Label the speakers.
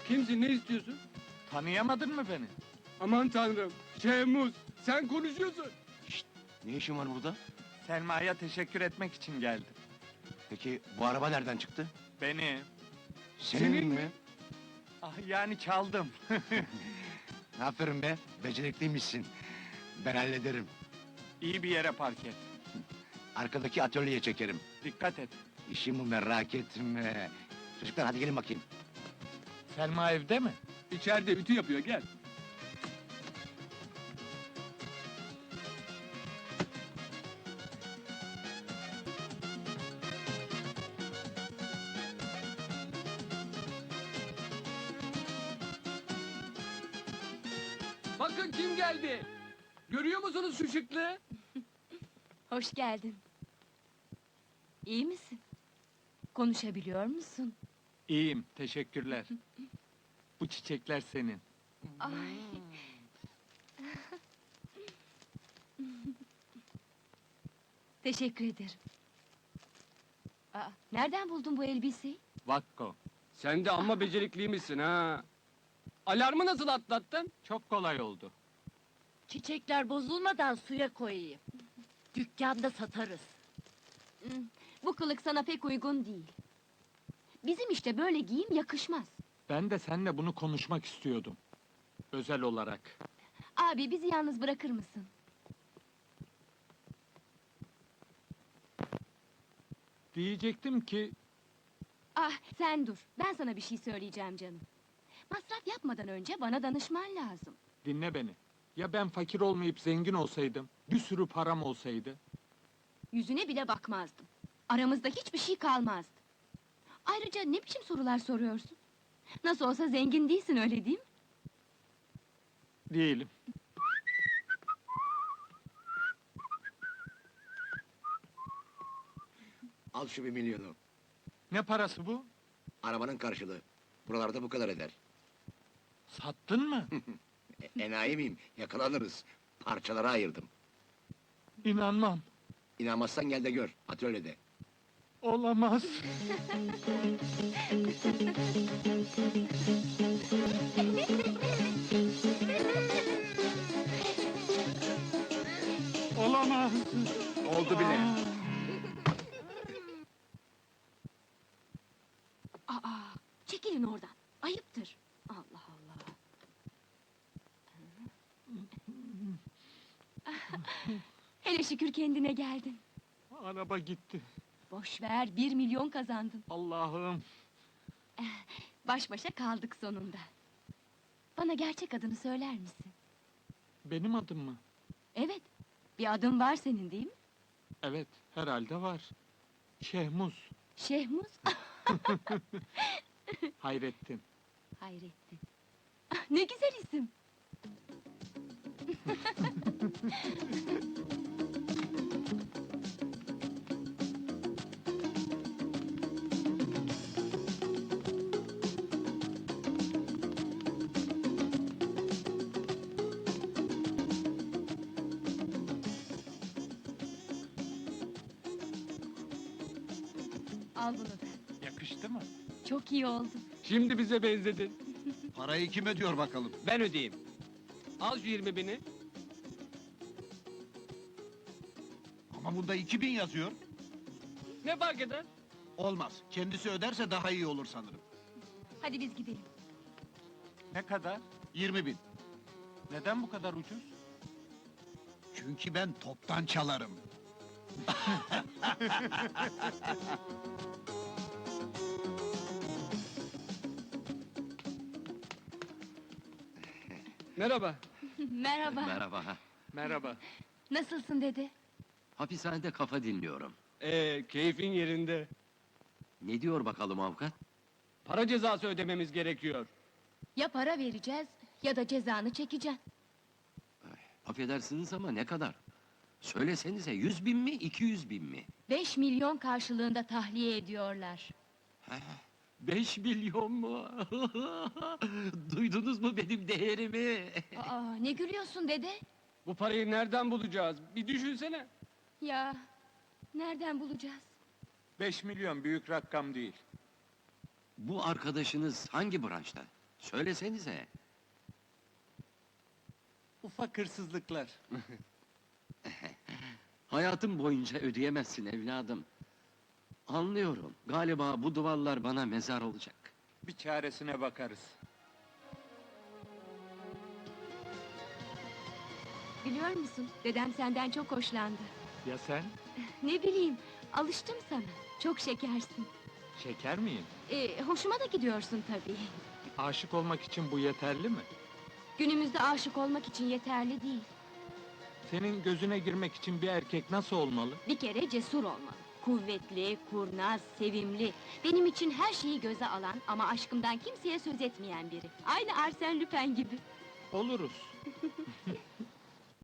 Speaker 1: Kimsin, ne istiyorsun?
Speaker 2: Tanıyamadın mı beni?
Speaker 1: Aman tanrım, Şehmuz, sen konuşuyorsun.
Speaker 3: Ne işin var burada?
Speaker 2: Selma'ya teşekkür etmek için geldim.
Speaker 3: Peki bu araba nereden çıktı?
Speaker 2: Beni.
Speaker 1: Senin mi?
Speaker 2: Ah yani çaldım.
Speaker 3: Aferin be, becerikliymişsin. Ben hallederim.
Speaker 2: İyi bir yere park et.
Speaker 3: Arkadaki atölyeye çekerim.
Speaker 2: Dikkat et.
Speaker 3: İşimi merak etme. Çocuklar hadi gelin bakayım.
Speaker 2: Selma evde mi?
Speaker 1: İçeride ütü yapıyor, gel. Bakın kim geldi. Görüyor musunuz şu şıklığı?
Speaker 4: Hoş geldin. İyi misin? Konuşabiliyor musun?
Speaker 2: İyiyim, teşekkürler. Bu çiçekler senin.
Speaker 4: Ay. Teşekkür ederim. Aa, nereden buldun bu elbiseyi?
Speaker 2: Vakko.
Speaker 1: Sen de amma becerikliymişsin ha. Alarmı nasıl atlattın?
Speaker 2: Çok kolay oldu.
Speaker 5: Çiçekler bozulmadan suya koyayım. Dükkanda satarız.
Speaker 4: Bu kılık sana pek uygun değil. Bizim işte böyle giyim yakışmaz.
Speaker 2: Ben de seninle bunu konuşmak istiyordum. Özel olarak.
Speaker 4: Abi bizi yalnız bırakır mısın?
Speaker 2: Diyecektim ki,
Speaker 4: Ah sen dur, ben sana bir şey söyleyeceğim canım. Masraf yapmadan önce bana danışman lazım.
Speaker 2: dinle beni. Ya ben fakir olmayıp zengin olsaydım, bir sürü param olsaydı?
Speaker 4: Yüzüne bile bakmazdım. Aramızda hiçbir şey kalmazdı. Ayrıca ne biçim sorular soruyorsun? Nasıl olsa zengin değilsin, öyle değil mi?
Speaker 2: Değilim.
Speaker 3: Al şu 1 milyonu.
Speaker 2: Ne parası bu?
Speaker 3: Arabanın karşılığı. Buralarda bu kadar eder.
Speaker 2: Sattın mı?
Speaker 3: Enayi miyim? Yakalanırız. Parçalara ayırdım.
Speaker 2: İnanmam.
Speaker 3: İnanmazsan gel de gör, atölyede.
Speaker 2: Olamaz. Olamaz.
Speaker 3: Oldu bile.
Speaker 4: Aa, çekilin oradan. Ayıptır. Allah Allah. Hele şükür kendine geldin.
Speaker 2: Araba gitti.
Speaker 4: Boş ver, 1 milyon kazandın.
Speaker 2: Allah'ım.
Speaker 4: Baş başa kaldık sonunda. Bana gerçek adını söyler misin?
Speaker 2: Benim adım mı?
Speaker 4: Evet, bir adın var senin değil mi?
Speaker 2: Evet, herhalde var. Şehmuz.
Speaker 4: Şehmuz?
Speaker 2: Hayrettin.
Speaker 4: Hayrettin. Ne güzel isim. Al bunu da.
Speaker 2: Yakıştı mı?
Speaker 4: Çok iyi oldu.
Speaker 1: Şimdi bize benzedin.
Speaker 6: Parayı kim ödüyor bakalım?
Speaker 1: Ben ödeyeyim. Al şu 20.000'i.
Speaker 6: Ama bunda 2000 yazıyor.
Speaker 1: Ne fark eder?
Speaker 6: Olmaz. Kendisi öderse daha iyi olur sanırım.
Speaker 4: Hadi biz gidelim.
Speaker 2: Ne kadar?
Speaker 6: 20.000.
Speaker 2: Neden bu kadar ucuz?
Speaker 6: Çünkü ben toptan çalarım.
Speaker 1: Merhaba.
Speaker 4: Merhaba.
Speaker 7: Merhaba.
Speaker 2: Merhaba.
Speaker 4: Nasılsın dede?
Speaker 7: Hapishanede kafa dinliyorum.
Speaker 1: Keyfin yerinde.
Speaker 7: Ne diyor bakalım avukat?
Speaker 1: Para cezası ödememiz gerekiyor.
Speaker 4: Ya para vereceğiz ya da cezanı çekeceksin.
Speaker 7: Affedersiniz ama ne kadar? Söylesenize 100.000 mi, 200.000 mi?
Speaker 4: 5 milyon karşılığında tahliye ediyorlar.
Speaker 7: 5 milyon mu? Duydunuz mu benim değerimi?
Speaker 4: Aa, ne gülüyorsun dede?
Speaker 1: Bu parayı nereden bulacağız? Bir düşünsene.
Speaker 4: Ya, nereden bulacağız?
Speaker 2: 5 milyon büyük rakam değil.
Speaker 7: Bu arkadaşınız hangi branşta? Söylesenize.
Speaker 2: Ufak hırsızlıklar.
Speaker 7: Hayatım boyunca ödeyemezsin evladım. Anlıyorum. Galiba bu duvarlar bana mezar olacak.
Speaker 2: Bir çaresine bakarız.
Speaker 4: Biliyor musun, dedem senden çok hoşlandı.
Speaker 2: Ya sen?
Speaker 4: Ne bileyim, alıştım sana. Çok şekersin.
Speaker 2: Şeker miyim?
Speaker 4: Hoşuma da gidiyorsun tabii.
Speaker 2: Aşık olmak için bu yeterli mi?
Speaker 4: Günümüzde aşık olmak için yeterli değil.
Speaker 2: Senin gözüne girmek için bir erkek nasıl olmalı?
Speaker 4: Bir kere cesur olmalı. Kuvvetli, kurnaz, sevimli. Benim için her şeyi göze alan ama aşkımdan kimseye söz etmeyen biri. Aynı Arsène Lupin gibi.
Speaker 2: Oluruz.